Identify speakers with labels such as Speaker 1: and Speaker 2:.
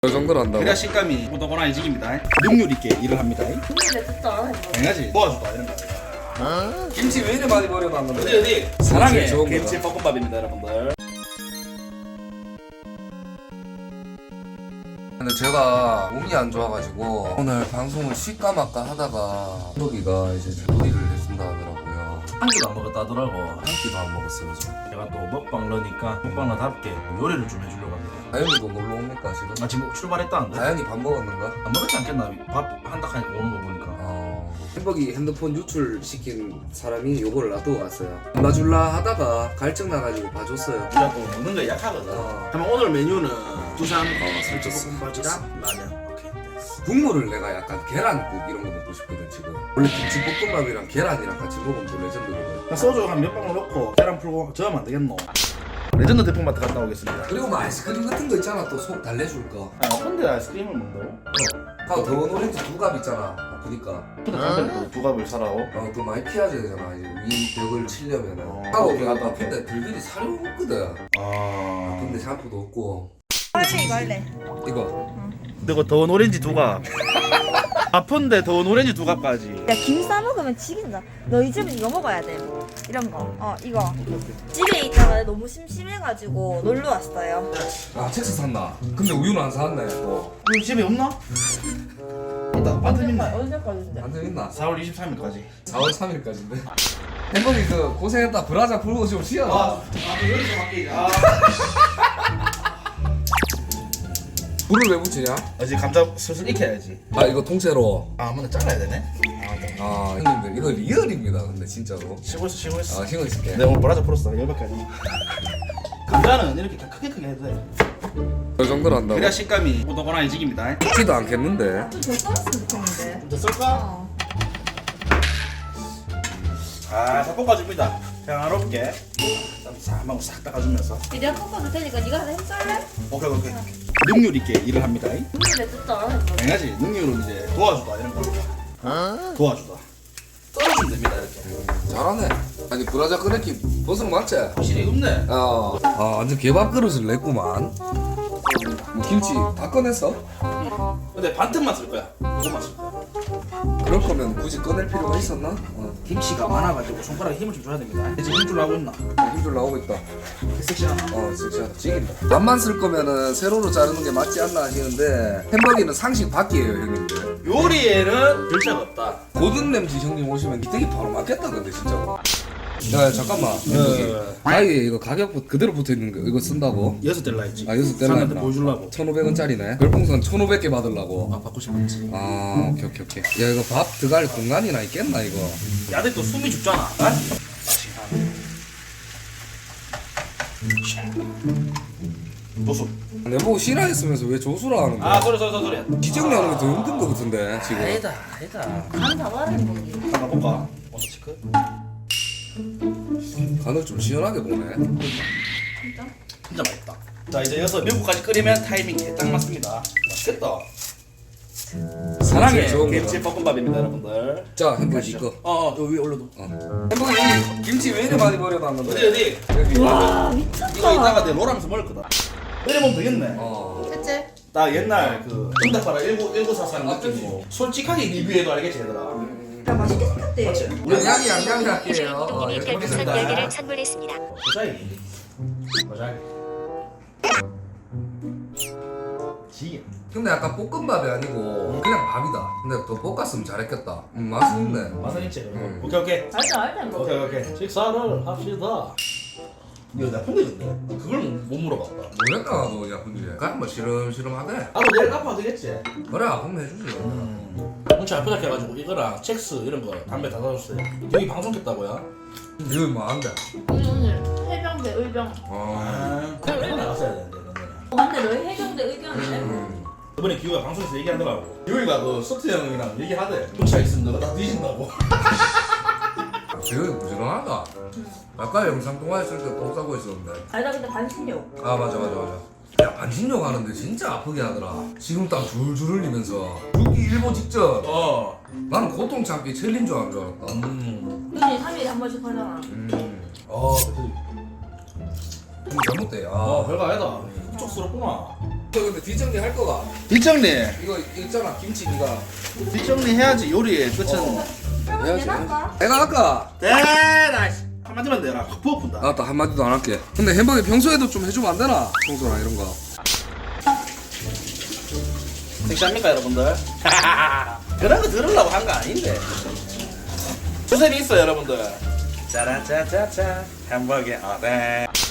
Speaker 1: 그 정도로 한다고?
Speaker 2: 그래야 식감이 오도고나해집니다. 능률 있게 일을 합니다.
Speaker 3: 근데 진짜
Speaker 2: 당연하지. 도와주다 이런 거.
Speaker 1: 김치 왜 이리 많이 버려놨는데?
Speaker 2: 어디
Speaker 1: 사랑해
Speaker 2: 좋은
Speaker 1: 김치
Speaker 2: 김치 볶음밥입니다, 여러분들.
Speaker 1: 근데 제가 몸이 안 좋아가지고 오늘 방송을 쉴까 말까 하다가 여기가 이제 요리를 해준다 하더라고요.
Speaker 2: 한 끼도 안 먹었다 하더라고.
Speaker 1: 한 끼도 안 먹었어요 저.
Speaker 2: 제가 또 먹방러니까 먹방러답게 요리를 좀 해주려고 합니다.
Speaker 1: 다현이도 놀러 옵니까 지금?
Speaker 2: 아 지금 출발했다는데?
Speaker 1: 다현이 밥 먹었는가?
Speaker 2: 안 먹었지 않겠나? 밥 한딱 하니까 오는 거 보니까.
Speaker 1: 햄버기 핸드폰 유출시킨 사람이 요거를 놔두고 갔어요. 안 봐줄라 하다가 갈증 나가지고 봐줬어요.
Speaker 2: 우리가 또 먹는 거에 약하거든. 그러면 오늘 메뉴는 두산
Speaker 1: 살쪘어.
Speaker 2: 볶음밥이랑 라면. 오케이.
Speaker 1: 국물을 내가 약간 계란국 이런 거 먹고 싶거든 지금. 원래 김치볶음밥이랑 계란이랑 같이 먹으면 또 레전드거든.
Speaker 2: 소주 한 몇 방울 넣고 계란 풀고 저으면 안 되겠노? 레전드 대풍마트 갔다 오겠습니다.
Speaker 1: 그리고 뭐 아이스크림 같은 거 있잖아 또 속 달래줄 거.
Speaker 2: 아, 근데 아이스크림을 먹는다고?
Speaker 1: 아 더운 오렌지 두 갑 있잖아. 아프니까.
Speaker 2: 근데 담배를 두 갑을 사라고?
Speaker 1: 또 많이 피하줘야 되잖아 이제 위 벽을 치려면은.
Speaker 2: 오케이,
Speaker 1: 내가
Speaker 2: 오케이.
Speaker 1: 아픈데 들들이 살이 없거든.
Speaker 2: 아.
Speaker 1: 근데 샴푸도 없고.
Speaker 3: 빨리 이거 할래.
Speaker 1: 이거.
Speaker 2: 그리고 더운 오렌지 두 갑. 아픈데 더운 오렌지 두 갑까지.
Speaker 3: 야, 김 싸먹으면 지긴다. 너 이 집은 이거 먹어야 돼. 이런 거. 이거. 집에 있다가 너무 심심해가지고 놀러 왔어요.
Speaker 1: 아 책스 샀나? 근데 우유는 안 샀네. 뭐.
Speaker 2: 우리 집에 없나? 있다. 반틈 있나?
Speaker 3: 언제까지인데?
Speaker 1: 안돼 있나?
Speaker 2: 4월 23일까지.
Speaker 1: 4월 3일까지인데. 햄버기 그 고생했다 브라자 풀고 좀 쉬어.
Speaker 2: 여기서 바뀌자.
Speaker 1: 불을 왜 붙이냐?
Speaker 2: 아직 감자 슬슬 익혀야지.
Speaker 1: 아 이거 통째로.
Speaker 2: 아, 근데 잘라야 되네.
Speaker 1: 아 형님들 이거 리얼입니다 근데 진짜로.
Speaker 2: 쉬고 있어.
Speaker 1: 아 신경 쓸게.
Speaker 2: 내가 오늘 브라자 풀었어. 열받게 하지. 감자는 이렇게 크게 해도 돼.
Speaker 1: 그 정도로 한다고?
Speaker 2: 그래야 식감이 오도고나해집니다.
Speaker 1: 익지도 않겠는데.
Speaker 3: 좀더 썰었으면 좋겠는데.
Speaker 2: 좀 더 썰까? 아, 다 볶아줍니다. 평화롭게. 한번 싹 닦아주면서.
Speaker 3: 내가 꺾어줄 테니까 네가 하나 힘쓸래?
Speaker 2: 오케이. 능률 있게 일을 합니다.
Speaker 3: 근데 진짜
Speaker 2: 당연하지. 능률은 이제 도와주다 이런 거. 도와주다. 썰어주면 됩니다 이렇게.
Speaker 1: 잘하네. 아니 브라자 끓였기 버섯 맞지?
Speaker 2: 확실히 없네.
Speaker 1: 아 완전 개밥 그릇을 냈구만. 뭐 김치 다 꺼냈어?
Speaker 2: 근데 반틈만 쓸 거야. 그것만 쓸 거야.
Speaker 1: 그럴 거면 굳이 꺼낼 필요가 있었나?
Speaker 2: 김치가 많아가지고 손가락에 힘을 좀 줘야 됩니다. 이제 힘줄 나오고 있나?
Speaker 1: 힘줄 나오고 있다.
Speaker 2: 섹시하나?
Speaker 1: 진짜 찌긴다. 밥만 쓸 거면은 세로로 자르는 게 맞지 않나 하시는데 햄버기는 상식 밖이에요 형님들.
Speaker 2: 요리에는 절차가 없다.
Speaker 1: 고든 램지 형님 오시면 이때기 바로 맞겠다 근데 진짜로. 야 잠깐만 햄버기 아예 이거 가격 그대로 붙어있는 거 이거 쓴다고?
Speaker 2: 6달 했지.
Speaker 1: 여섯 달
Speaker 2: 사람한테
Speaker 1: 나왔구나.
Speaker 2: 보여주려고.
Speaker 1: 1,500원짜리네. 별풍선 1,500개 받으려고.
Speaker 2: 받고 싶었지.
Speaker 1: 오케이. 야 이거 밥 들어갈 공간이나 있겠나 이거?
Speaker 2: 야들 또 숨이 죽잖아. 조수.
Speaker 1: 내보고 싫어했으면서 왜 조수라 하는 거야?
Speaker 2: 소리.
Speaker 1: 지정내는 게 더 힘든 거 같은데 지금.
Speaker 2: 아니다.
Speaker 3: 간 잡아라는 거기.
Speaker 2: 한번 볼까? 먼저 체크.
Speaker 1: 간을 좀 시원하게 보네.
Speaker 3: 진짜?
Speaker 2: 진짜 맛있다. 자, 이제 여기서 미국까지 끓이면 타이밍 딱 맞습니다. 맛있겠다. 사랑해
Speaker 1: 좋은
Speaker 2: 김치 볶음밥입니다, 여러분들.
Speaker 1: 자 햄버기 이거.
Speaker 2: 요 위에 올려도.
Speaker 1: 햄버기 여기 김치 왜 이리 많이 버려놨는데?
Speaker 2: 어디?
Speaker 1: 여기.
Speaker 3: 와, 미쳤다.
Speaker 2: 이거 이따가 내 롤하면서 먹을 거다. 이러면 되겠네.
Speaker 3: 그치?
Speaker 2: 나 옛날 그 응답하라 1944 느낌으로 솔직하게 리뷰해도 알겠지 얘들아.
Speaker 3: 야, 맛있게 생겼대.
Speaker 2: 맞지?
Speaker 1: 양념이 할게요.
Speaker 4: 님이 별풍선 10개를 선물했습니다.
Speaker 2: 모자이기. 지게.
Speaker 1: 근데 약간 볶음밥이 아니고 그냥 밥이다. 근데 더 볶았으면 잘했겠다. 맛있네.
Speaker 2: 맛은 있지. 오케이.
Speaker 3: 알다 뭐.
Speaker 2: 오케이. 식사를 합시다. 이거 나 폰데인데 그걸 못 물어봤다.
Speaker 1: 모르겠다 나도 야 근데 그냥 뭐 시름시름하대.
Speaker 2: 나도 내일 갚아도 되겠지.
Speaker 1: 그래 아프면 해주지.
Speaker 2: 엄청 아프다 해가지고 이거랑 첵스 이런 거 담배 다 사줬어요. 여기 방송 켰다고요?
Speaker 1: 이거 뭐한데?
Speaker 3: 오늘 해병대 의병.
Speaker 2: 그냥 나갔어야 되는데 너는.
Speaker 3: 근데 너희 해병대 의병이네?
Speaker 2: 이번에 기우가 방송에서 얘기하더라고. 기우가 그 서트 형이랑 얘기하대. 문자 있으면 너가 다 뒤진다고.
Speaker 1: 재현이 부지런하다. 아까 영상 통화했을 때 똥 싸고 있었는데.
Speaker 3: 아니 나 근데 반신욕.
Speaker 1: 아 맞아. 야 반신욕 하는데 진짜 아프게 하더라. 지금 땀 줄줄 흘리면서 죽기 일보 직전. 나는 고통 참기 챌린저 하는 줄 알았다.
Speaker 3: 근데 3일에 한 번씩 하잖아.
Speaker 2: 그치.
Speaker 1: 좀 잘못돼.
Speaker 2: 별거 아니다. 촉스럽구나.
Speaker 1: 저 근데 뒷정리 할 거가
Speaker 2: 뒷정리
Speaker 1: 이거 있잖아 김치 니가
Speaker 2: 뒷정리 해야지 요리의 끝은
Speaker 3: 그러면
Speaker 1: 해야지.
Speaker 3: 내가 할까?
Speaker 1: 내가 할까?
Speaker 2: 대다 한마디만 내라 확 부어푼다.
Speaker 1: 알았다 한마디도 안 할게. 근데 햄버거 평소에도 좀 해주면 안 되나? 청소나 이런 거.
Speaker 2: 섹시합니까 여러분들? 그런 거 들으려고 한 거 아닌데 추세이 있어 여러분들. 짜라짜짜짜 햄버거 어때?